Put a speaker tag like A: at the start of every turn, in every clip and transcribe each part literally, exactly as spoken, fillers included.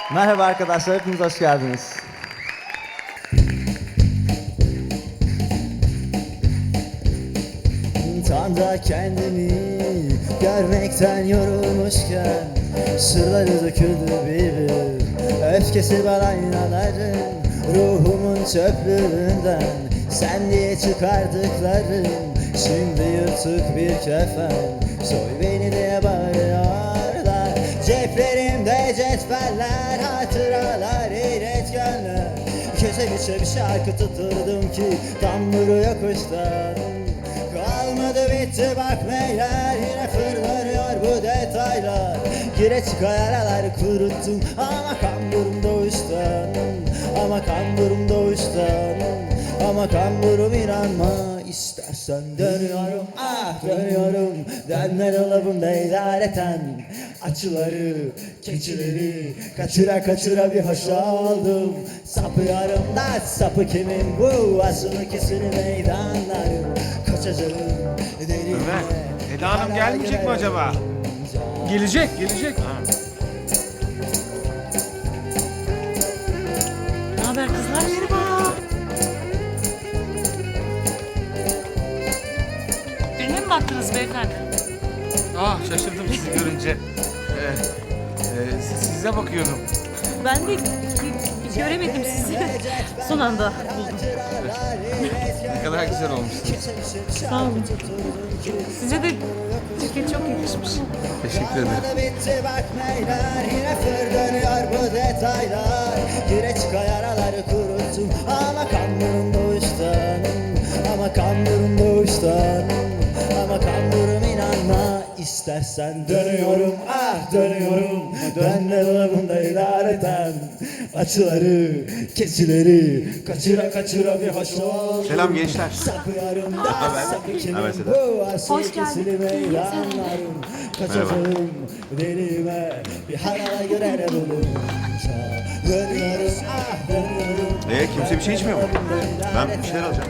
A: Merhaba arkadaşlar, hepiniz hoş geldiniz. Tam da kendimi görmekten yorulmuşken sırları döküldü bir bir. Öfkesi var aynaların, ruhumun çöplüğünden sen diye çıkardıklarım şimdi yırtık bir kefen. Soy beni diye bağırıyorlar. Ceplerimde cetveller, hatıralar, iletkenler. Köşe köşe bir şarkı tuturdum ki tam vuruyor kuştan. Kalmadı bitti bak beyler, yine fırlanıyor bu detaylar. Gire çıkar aralar kuruttum ama kamburum doğuştan. Ama kamburum doğuştan. Ama kamburum inanma istersen dönüyorum, ah dönüyorum. Dönme dolabımda idareten açıları, keçileri kaçıra kaçıra bir hoş oldum. Sapıyorum da sapı kimin bu, asılı kesini meydanlarım. Kaçacağım deli.
B: Ömer, Eda Hanım gelmeyecek mi acaba?
C: Gelecek, gelecek.
D: Ne haber kızlar? Merhaba. Birine mi baktınız beyefendi?
B: Ah şaşırdım sizi görünce. Ee, e, siz- size bakıyordum.
D: Ben de g- göremedim sizi. Son anda buldum.
B: Ne kadar güzel olmuşsunuz.
D: Sağ olun. Size de ceket çok yakışmış.
B: Teşekkür ederim.
A: Bitti bak meyler, yine fırlanıyor bu detaylar. Gire çıkar araları kuruttum ama kamburum doğuştan. Ama kamburum doğuştan. Ama kamburum inanma istersen dönüyorum, ah dönüyorum. Dönme dolabında idareten açıları, keçileri kaçıra kaçıra bir hoş ol.
B: Selam gençler.
A: Sapıyorum da sapı kimin bu, asıl
D: Hoş geldin.
A: kesili meydanlarım. Kaçacağım delime bir harala göre bulunca. Dönüyorum, ah dönüyorum.
E: Ee, kimse bir şey içmiyor mu? Ben bir şeyler alacağım.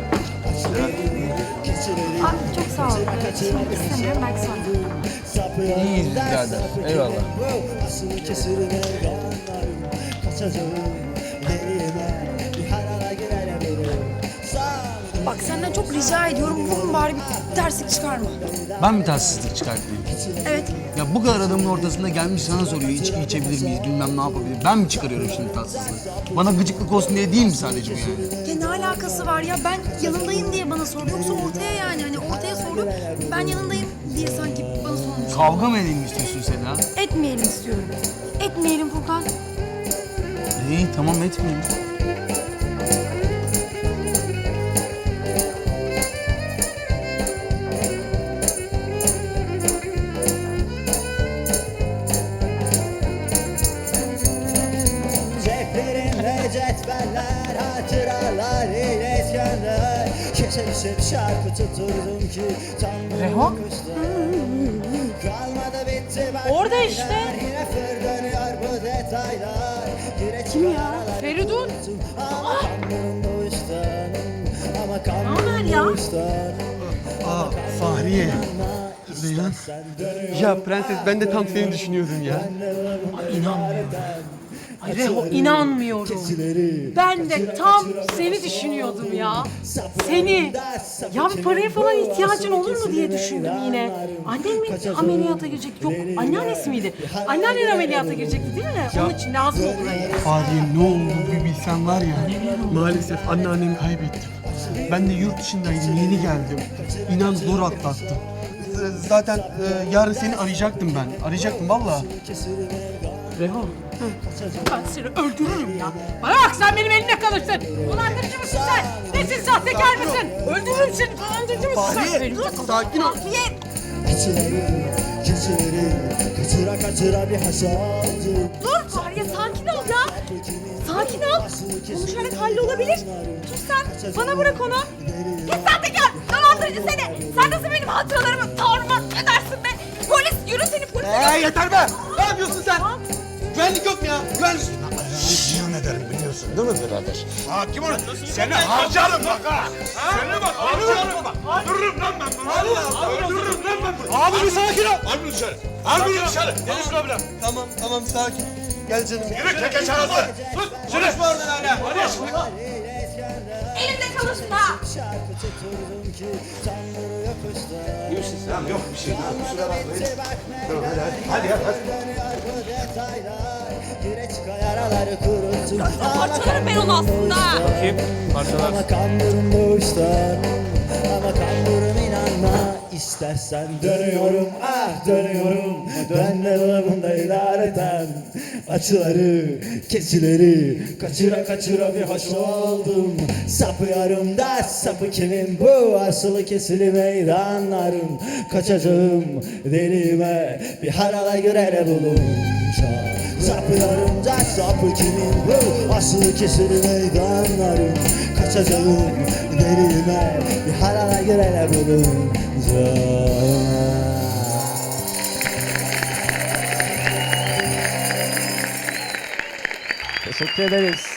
F: Aa, çok sağ ol. Evet, şimdi istemiyorum, belki sonra.
C: İyiyiz birader, eyvallah.
A: Asıl kesili meydanlarım. Kaçacağım delime bir harala göre bulunca.
F: Bak senden çok rica ediyorum, bugün bari bir terslik çıkarma.
C: Ben mi tatsızlık çıkartayım?
F: Evet,
C: Ya bu kadar adamın ortasında gelmiş sana soruyor içki içebilir miyiz, bilmem ne yapabilir. Ben mi çıkarıyorum şimdi tatsızlığı? Bana gıcıklık olsun diye değil mi sadece bu yani?
F: ya ne alakası var ya? Ben yanındayım diye bana soruyor. Yoksa ortaya yani, hani ortaya soruyor. Ben yanındayım diye sanki bana sormuş.
C: Kavga mı edelim istiyorsun Seda?
F: Etmeyelim istiyorum. Etmeyelim Furkan.
C: İyi tamam etmeyeyim.
A: Ceplerimde cetveller, hatıralar, iletkenler. Köşe köşe bir şarkı tuturdum ki tam
D: Reho?
A: kalmadı bitti bak
D: Orada
A: beyler,
D: işte.
A: yine fırlanıyor bu detaylar. Gire
D: Kim ya?
A: çıkar
D: Feridun.
A: aralarım. Ama kamburum doğuştan. Ama
D: haber
A: kamburum
D: ya?
A: doğuştan.
G: Aa Fahriye. Reyhan. Ya prenses ben de tam seni düşünüyordum ya.
D: İnanmıyorum. Ay Reho, inanmıyorum. Ben de tam seni düşünüyordum ya. Seni. Ya bir paraya falan ihtiyacın olur mu diye düşündüm yine. Annen mi ameliyata girecek? Yok, anneannesi miydi? Anneannen ameliyata girecekti değil mi? Onun için lazım olur hani.
G: Fahriye ne oldu bir bilsen var ya. Maalesef anneannemi kaybettim. Ben de yurt dışındaydım yeni geldim. İnan zor atlattım. Z- Zaten e, yarın seni arayacaktım ben. Arayacaktım valla.
D: Reho. Ben seni öldürürüm ya. Bana bak sen benim elimde kalırsın. Dolandırıcı mısın sen? Nesin sahtekar mısın? Öldürürüm seni. Dolandırıcı mısın sen?
G: Fahriye,
D: Benim de-
G: sakin ol.
D: Fahriye.
A: Keçileri, keçileri kaçıra kaçıra bir hoş oldu.
D: Dur Fahriye, sakin ol ya. Sakin ol. Konuşarak hallolabilir. Dur sen. Bana bırak onu. Git sahtekar. Dolandırıcı seni. Sen nasıl benim hatıralarımı tarumar edersin be? Polis, yürü seni polise.
G: Ee yeter be! Ne yapıyorsun sen? Güvenlik yok mu ya? Güvenlik...
H: Ziyan ederim biliyorsun değil mi birader?
B: Hakim ol. Seni harcarım bak ha. Seni bak harcarım bak. Öldürürüm lan ben bunu. Öldürürüm lan ben bunu.
G: Abi bir sakin ol!
B: Al bunu dışarı. Al bunu dışarı. Nedir problem?
G: Tamam tamam sakin. Gel canım.
B: Yürü keke çarası. Sus. Konuşma oradan hala. Hadi.
F: Elimde çalışma.
E: Tamam yok bir şey. Kusura bakmayın. Tamam hadi hadi. Hadi hadi. hadi.
A: Kireç yaraları kurutur.
F: Parçalarım ben onu aslında.
B: Bakayım. Parçalar.
A: Ama kandurum doğuştan. Ama kandurum inanma. İstersen dönüyorum, ah dönüyorum. Dönme dolabında idareten. Açıları, kesileri kaçıra kaçıra bir hoş oldum. Sapıyorum da sapı kimin bu? Asılı kesili meydanların. Kaçacağım deliğime bir harala göre bulunca. Sapıyorum da sapı kimin bu? Asılı kesili meydanların. Kaçacağım deliğime bir harala göre bulunca. Teşekkür ederiz.